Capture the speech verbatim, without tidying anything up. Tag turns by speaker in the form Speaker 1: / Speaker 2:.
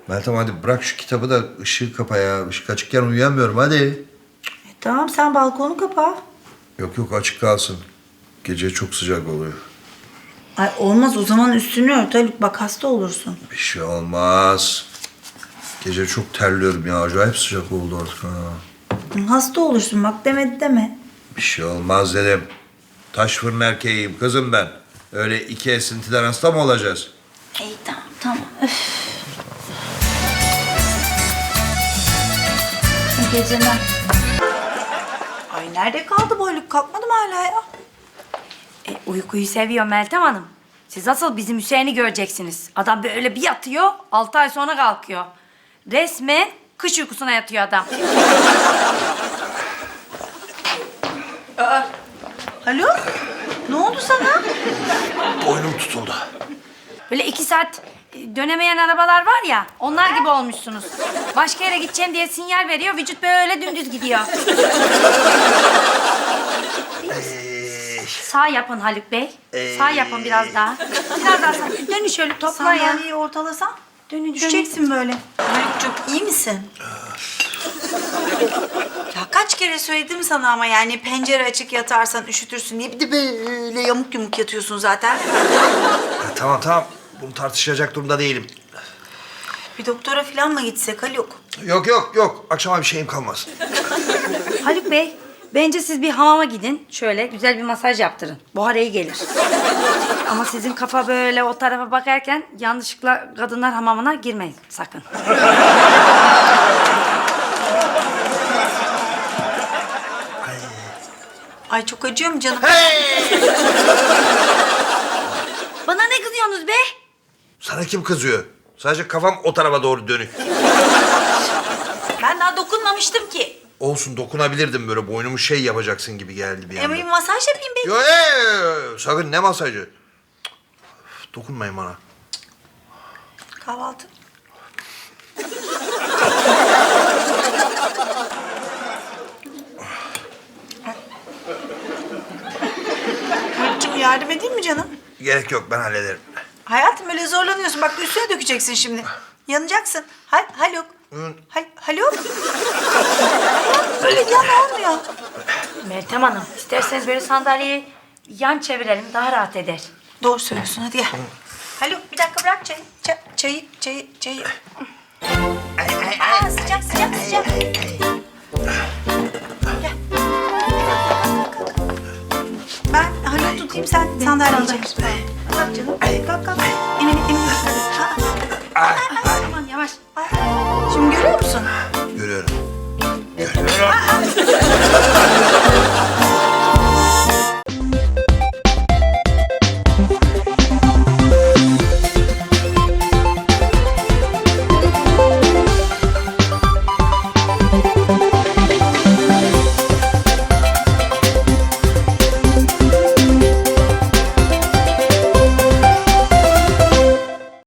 Speaker 1: Meltem hadi bırak şu kitabı da ışığı kapa ya. Işık açıkken uyuyamıyorum hadi.
Speaker 2: E, tamam sen balkonu kapa.
Speaker 1: Yok yok açık kalsın. Gece çok sıcak oluyor.
Speaker 2: Ay olmaz o zaman üstünü ört Haluk bak hasta olursun.
Speaker 1: Bir şey olmaz. Gece çok terliyorum ya. Acayip sıcak oldu artık ha.
Speaker 2: Hasta olursun bak demedi deme.
Speaker 1: Bir şey olmaz dedim. Taş fırın erkeğiyim kızım ben. Öyle iki esintiden hasta mı olacağız?
Speaker 2: İyi tamam tamam. Öf. İyi geceler. Ay nerede kaldı bu Haluk? Kalkmadı mı hala ya?
Speaker 3: E, uykuyu seviyor Meltem Hanım. Siz asıl bizim Hüseyin'i göreceksiniz. Adam böyle bir yatıyor, altı ay sonra kalkıyor. Resmen kış uykusuna yatıyor adam.
Speaker 2: Haluk ne oldu sana?
Speaker 1: Boynum tutuldu.
Speaker 3: Böyle iki saat e, dönemeyen arabalar var ya, onlar gibi olmuşsunuz. Başka yere gideceğim diye sinyal veriyor, vücut böyle dümdüz gidiyor. Sağ yapın Haluk Bey. Sağ yapın biraz daha. Biraz daha sağ. Dönün şöyle toplayın.
Speaker 2: Sandalyeyi ortalasan
Speaker 3: Dönün,
Speaker 2: düşeceksin böyle. Haluk'cum iyi misin? Ya kaç kere söyledim sana ama yani pencere açık yatarsan üşütürsün diye bir de böyle yamuk yumuk yatıyorsun zaten.
Speaker 1: Ya, tamam tamam. Bunu tartışacak durumda değilim.
Speaker 2: Bir doktora falan mı gitsek Haluk?
Speaker 1: Yok yok yok. Akşama bir şeyim kalmaz.
Speaker 3: Haluk Bey, bence siz bir hamama gidin. Şöyle güzel bir masaj yaptırın. Buhar iyi gelir. Ama sizin kafa böyle o tarafa bakarken yanlışlıkla kadınlar hamamına girmeyin sakın.
Speaker 2: Ay çok acıyor mu canım?
Speaker 3: Bana ne kızıyorsunuz be?
Speaker 1: Sana kim kızıyor? Sadece kafam o tarafa doğru dönük.
Speaker 2: Ben daha dokunmamıştım ki.
Speaker 1: Olsun dokunabilirdim böyle boynumu şey yapacaksın gibi geldi bir
Speaker 2: Ama
Speaker 1: anda.
Speaker 2: bir masaj yapayım be.
Speaker 1: Yo, yo, yo, yo, sakın ne masajı? Cık, dokunmayın bana.
Speaker 2: Kahvaltı. Haluk'cum yardım edeyim mi canım?
Speaker 1: Gerek yok ben hallederim.
Speaker 2: Hayatım öyle zorlanıyorsun. Bak üstüne dökeceksin şimdi. Yanacaksın. Hal Haluk.
Speaker 1: Hı.
Speaker 2: Hal Haluk. Böyle yan olmuyor.
Speaker 3: Meltem Hanım, isterseniz böyle sandalyeyi yan çevirelim daha rahat eder.
Speaker 2: Doğru söylüyorsun hadi gel. Haluk bir dakika bırak çayı. Çay, çayı, çayı, çayı. Aa, sıcak sıcak sıcak. Gel. Ben Haluk tutayım sen sandalyeyi çek. Kalk canım. Kalk kalk. Emin emin.
Speaker 3: Aman yavaş.
Speaker 2: Şimdi görüyor musun?
Speaker 1: Görüyorum. Görüyorum.